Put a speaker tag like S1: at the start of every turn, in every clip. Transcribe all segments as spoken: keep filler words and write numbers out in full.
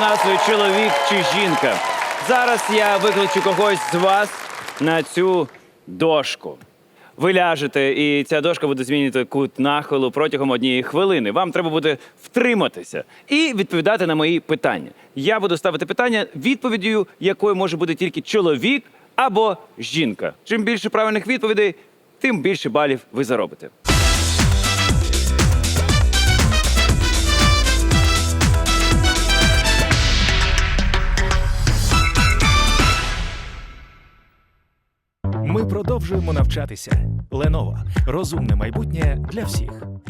S1: назвою «Чоловік чи жінка». Зараз я викличу когось з вас на цю дошку. Ви ляжете, і ця дошка буде змінювати кут нахилу протягом однієї хвилини. Вам треба буде втриматися і відповідати на мої питання. Я буду ставити питання, відповіддю якою може бути тільки чоловік або жінка. Чим більше правильних відповідей, тим більше балів ви заробите.
S2: Ми продовжуємо навчатися. Lenovo. Розумне майбутнє для всіх.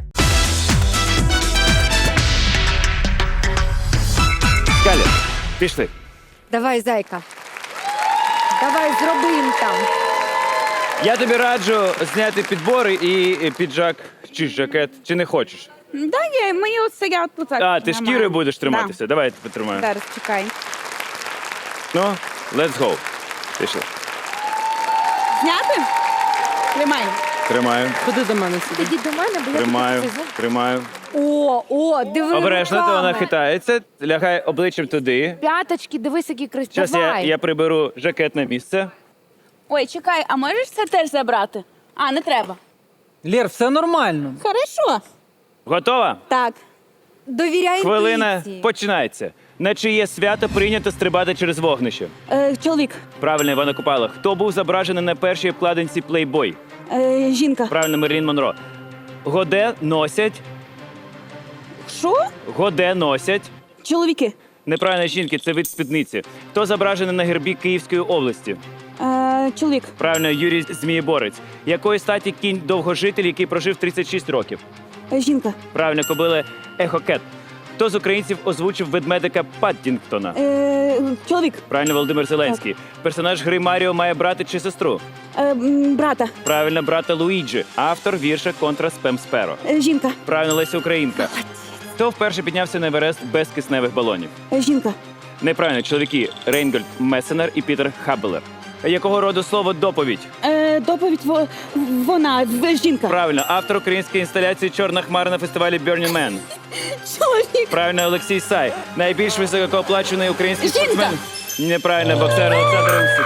S1: Скаля, пішли.
S3: Давай, зайка. Давай, зробимо там.
S1: Я тобі раджу зняти підбори і піджак чи жакет. Чи не хочеш?
S4: Да ні, мені оце я тут так.
S1: А, ти
S4: нормально.
S1: шкірою будеш триматися? Давай я тебе тримаю.
S4: Да. Зараз, чекай.
S1: Ну, let's go. Пішли.
S4: Зняти? Тримай.
S1: Тримаю,
S3: Ходи до мене сюди. Іди до мене, бо я
S1: тримаю,
S3: тут сижу.
S1: тримаю.
S3: О, о, диви
S1: Обережно, то
S3: руками.
S1: вона хитається. Лягай обличчям туди.
S3: П'яточки, дивись, які красиві.
S1: Зараз я,
S3: Давай.
S1: я приберу жакет на місце.
S4: Ой, чекай, а можеш це теж забрати? А, не треба.
S5: Лєр, все нормально.
S4: Хорошо.
S1: Готова?
S4: Так.
S3: Довіряй
S1: Хвилина
S3: інтуїції.
S1: починається. На чиє свято прийнято стрибати через вогнище?
S4: Е, чоловік.
S1: Правильно, Івана Купала. Хто був зображений на першій обкладинці Playboy?
S4: Е, жінка.
S1: Правильно, Мерлін Монро. Годе носять.
S4: Що?
S1: Годе носять.
S4: Чоловіки.
S1: Неправильно, жінки, це вид спідниці. Хто зображений на гербі Київської області?
S4: Е, чоловік.
S1: Правильно, Юрій Змієборець. Якої статі кінь довгожитель, який прожив тридцять шість років?
S4: Е, жінка.
S1: Правильно, кобили Ехокет. Хто з українців озвучив ведмедика Паддінгтона?
S4: Е, чоловік.
S1: Правильно, Володимир Зеленський. Персонаж гри Маріо має брата чи сестру?
S4: Е, м, брата.
S1: Правильно, брата Луїджі. Автор вірша «Контра Спем Сперо».
S4: Е, жінка.
S1: Правильно, Леся Українка. Хто вперше піднявся на Еверест без кисневих балонів?
S4: Е, жінка.
S1: Неправильно, чоловіки Рейнгольд Месенер і Пітер Хаббелер. Якого роду слово «доповідь»?
S4: Е, доповідь во- вона. В- жінка.
S1: Правильно, автор української інсталяції «Чорна хмара» на фестивалі Burning Man.
S4: Чоловік.
S1: Правильно, Олексій Сай. Найбільш високооплачений український
S4: Жінка.
S1: спортсмен. Неправильно, боксер Олександр Усик.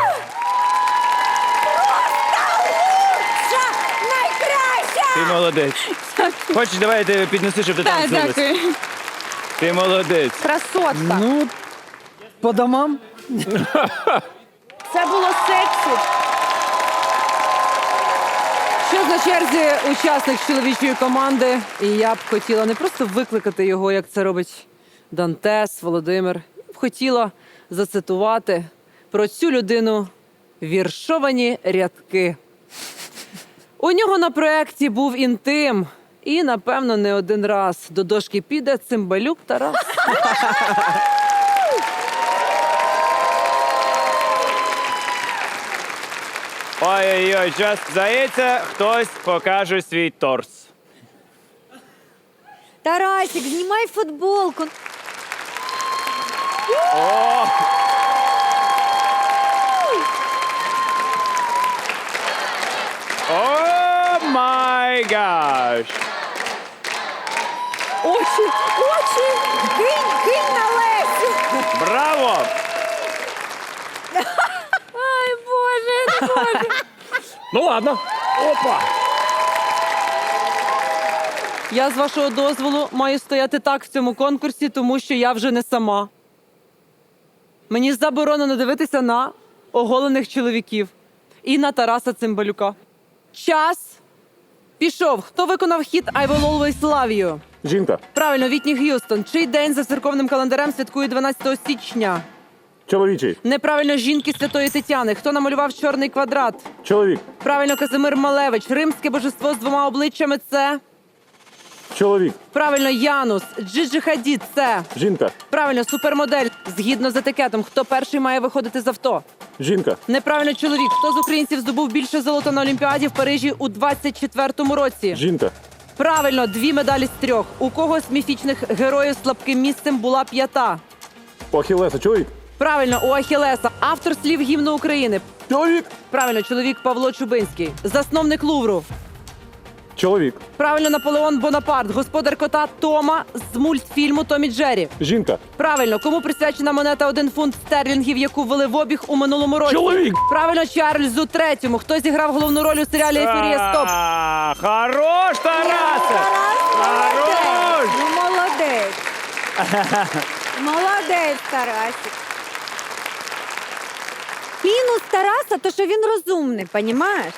S3: Найкраща!
S1: Ти молодець. Хочеш, давай я тебе піднесу, щоб ти там
S4: Так,
S1: злилась?
S4: дякую.
S1: Ти молодець.
S3: Красотка.
S5: Ну, по домам.
S3: Це було сексі.
S6: Що на черзі учасник з чоловічої команди, і я б хотіла не просто викликати його, як це робить Дантес, Володимир. Я б хотіла зацитувати про цю людину віршовані рядки. У нього на проєкті був інтим, і, напевно, не один раз до дошки піде Цимбалюк Тарас.
S1: Ой-ой-ой, час здається, хтось покаже свій торс.
S3: Тарасик, знімай футболку.
S1: О! О май гаш!
S3: Очі, очі. Кинь, кинь на Лесю.
S1: Браво!
S3: Ай, Боже, Боже.
S2: Ну ладно. Опа.
S6: Я, з вашого дозволу, маю стояти так в цьому конкурсі, тому що я вже не сама. Мені заборонено дивитися на оголених чоловіків і на Тараса Цимбалюка. Час пішов. Хто виконав хіт «I will always love you»?
S7: Жінка.
S6: Правильно, Вітні Г'юстон. Чий день за церковним календарем святкує дванадцятого січня?
S7: Чоловічий.
S6: Неправильно, жінки Святої Тетяни. Хто намалював чорний квадрат?
S7: Чоловік.
S6: Правильно, Казимир Малевич. Римське божество з двома обличчями – це...
S7: Чоловік.
S6: Правильно, Янус. Джиджи Хадід – це...
S7: Жінка.
S6: Правильно, супермодель. Згідно з етикетом, хто перший має виходити з авто?
S7: Жінка.
S6: Неправильно, чоловік. Хто з українців здобув більше золота на Олімпіаді в Парижі у двадцять четвертому році?
S7: Жінка.
S6: Правильно, дві медалі з трьох. У кого з міфічних героїв слабким місцем була п'ята?
S7: У Ахілеса. Чоловік.
S6: Правильно, у Ахілеса. Автор слів гімну України.
S7: Чоловік.
S6: Правильно, чоловік Павло Чубинський. Засновник Лувру.
S7: Чоловік.
S6: Правильно, Наполеон Бонапарт, господар кота Тома з мультфільму «Том і Джері».
S7: Жінка.
S6: Правильно, кому присвячена монета один фунт стерлінгів, яку ввели в обіг у минулому році?
S7: Чоловік.
S6: Правильно, Чарльзу третьому. Хто зіграв головну роль у серіалі «Ефірія Стоп»?
S1: А, Хорош, Тарасе! Хорош!
S3: Ну, молодець. Молодець, Тарасик. Мінус Тараса, то що він розумний, понімаєш?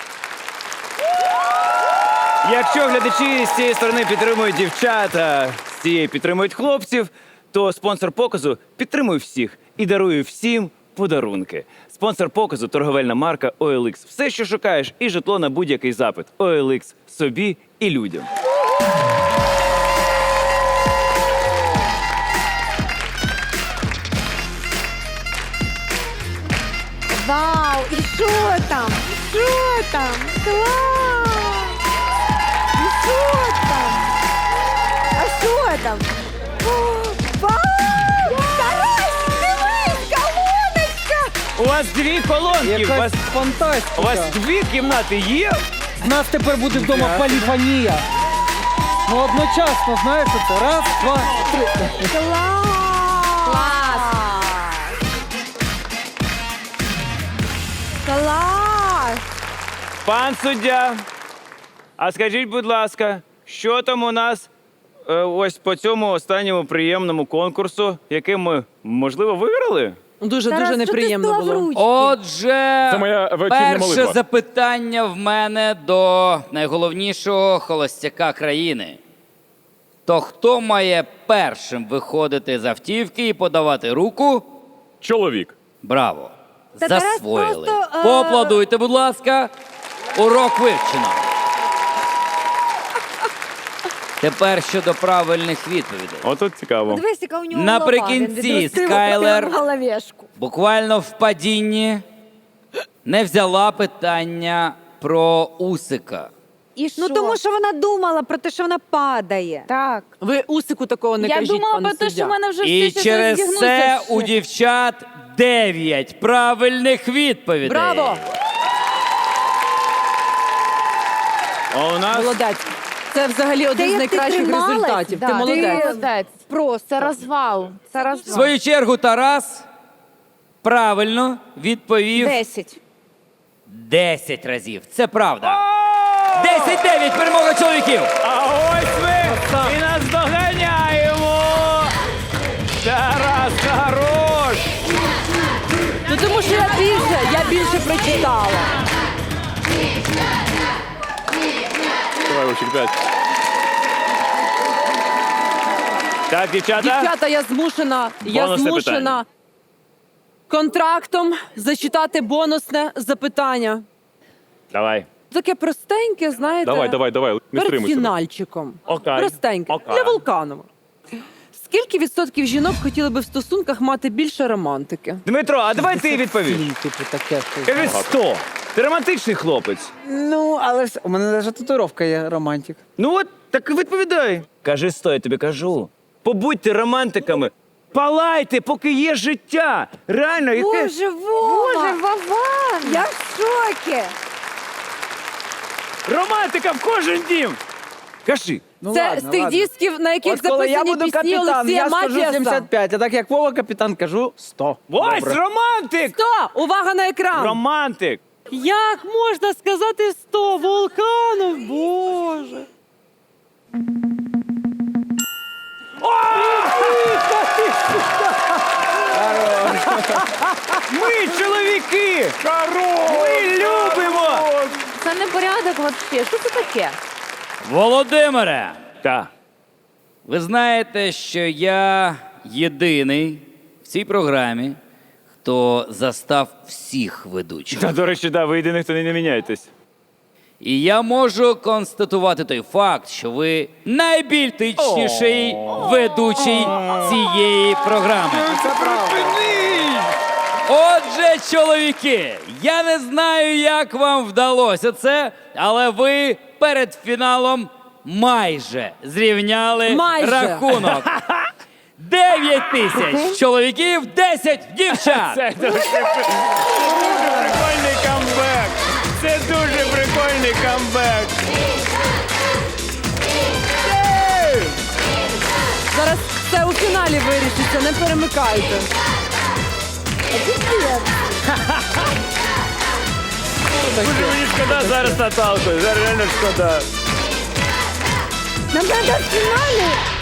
S1: Якщо глядачі з цієї сторони підтримують дівчата, з цієї підтримують хлопців, то спонсор показу підтримує всіх і дарує всім подарунки. Спонсор показу – торговельна марка о ел ікс. Все, що шукаєш, і житло на будь-який запит. о ел ікс – собі і людям.
S3: Вау, і що там? Що там? Клас! І що там? А що там? О, вау! Тарас, дивись, колоночка!
S1: У вас дві колонки, у вас,
S5: Якась фантастика.
S1: у вас дві кімнати є?
S5: У нас тепер буде вдома поліфонія. Ну одночасно, знаєш, це раз, два, три.
S3: Клас! Клас! Клас!
S1: Пан суддя, а скажіть, будь ласка, що там у нас е, ось по цьому останньому приємному конкурсу, який ми, можливо, виграли?
S6: Дуже,
S3: Тарас,
S6: дуже
S3: що ти
S6: неприємно
S3: склав
S6: було.
S3: ручки?
S8: Отже,
S7: Це моя вечірня
S8: перше
S7: молитва.
S8: запитання в мене до найголовнішого холостяка країни. То хто має першим виходити з автівки і подавати руку?
S7: Чоловік.
S8: Браво!
S3: Та Тарас
S8: Засвоїли.
S3: просто, е,
S8: Поаплодуйте, будь ласка. Урок вивчено. Тепер щодо правильних відповідей.
S1: Отут цікаво.
S3: Подивись, яка у нього
S8: Наприкінці
S3: голова. Він відростив
S8: Скайлер-
S3: прямо головешку.
S8: Буквально в падінні не взяла питання про Усика.
S4: І що?
S3: Ну тому що вона думала про те, що вона падає.
S4: Так.
S6: Ви Усику такого не
S4: Я
S6: кажіть,
S4: думала
S6: пане
S4: про те,
S6: суддя.
S4: що в мене вже
S8: І
S4: всі
S8: через
S4: зігнуться
S8: це
S4: ще.
S8: у дівчат дев'ять правильних відповідей.
S6: Браво!
S1: А у нас
S6: Молодець. Це взагалі один з
S3: як ти
S6: найкращих
S3: трималась,
S6: результатів.
S4: Да,
S6: Ти молодець.
S4: молодець. Просто. Це розвал. Це
S8: В
S4: розвал.
S8: свою чергу Тарас правильно відповів
S4: Десять.
S8: десять разів. Це правда. десять дев'ять перемога чоловіків.
S1: А ось ми і нас доганяємо! Тарас, хорош!
S6: Ну тому що я більше, я більше прочитала.
S7: Давай, Вовчик, п'ять.
S1: Так, дівчата?
S6: Дівчата, я змушена, я
S1: Бонусне
S6: змушена
S1: питання.
S6: контрактом зачитати бонусне запитання.
S1: Давай.
S6: Таке простеньке, знаєте,
S7: Давай, давай, давай, не
S6: перед
S7: стримуйся.
S6: фінальчиком.
S1: Окей.
S6: Простеньке.
S1: Окей.
S6: Для Вулканова. Скільки відсотків жінок хотіли би в стосунках мати більше романтики?
S1: Дмитро, а давай ти відповіш.
S5: Фільм, типу, таке. щось.
S1: Кажи сто. Ти романтичний хлопець.
S5: Ну, але ж у мене навіть татуїровка є романтик.
S1: Ну от, так відповідай. Кажи сто, я тобі кажу. Побудьте романтиками. Палайте, поки є життя. Реально, яке...
S3: Боже, Вова!
S4: Боже, Вован!
S3: Я в шокі!
S1: Романтика в кожен дім. Кажи.
S5: Ну,
S6: Це
S5: ладно,
S6: з тих
S5: ладно.
S6: дисків, на яких
S5: От коли я
S6: записані
S5: буду
S6: пісні
S5: капітан,
S6: Олексія
S5: я скажу
S6: Матіаса.
S5: сімдесят п'ять, а так як Вова капітан, кажу сто.
S1: Ось
S5: Добре.
S1: романтик!
S6: Сто! Увага на екран!
S1: Романтик.
S6: Як можна сказати сто? Вулканов, Боже!
S1: Ми чоловіки! Ми любимо!
S4: Це не порядок взагалі. Що це таке?
S8: Володимире,
S1: Так.
S8: ви знаєте, що я єдиний в цій програмі, хто застав всіх ведучих.
S1: Та, до речі, да, ви єдиний, хто не міняєтесь.
S8: І я можу констатувати той факт, що ви найбільтичніший ведучий цієї програми.
S5: Це правда.
S8: Отже, чоловіки, я не знаю, як вам вдалося це, але ви перед фіналом майже зрівняли
S6: Майже.
S8: рахунок. Дев'ять тисяч чоловіків, десять дівчат.
S1: Це дуже прикольний камбек. Це дуже прикольний камбек.
S6: вирішиться, не перемикайте.
S1: Дуже мені шкода зараз Наталку, зараз реально шкода.
S3: Нам треба в фіналі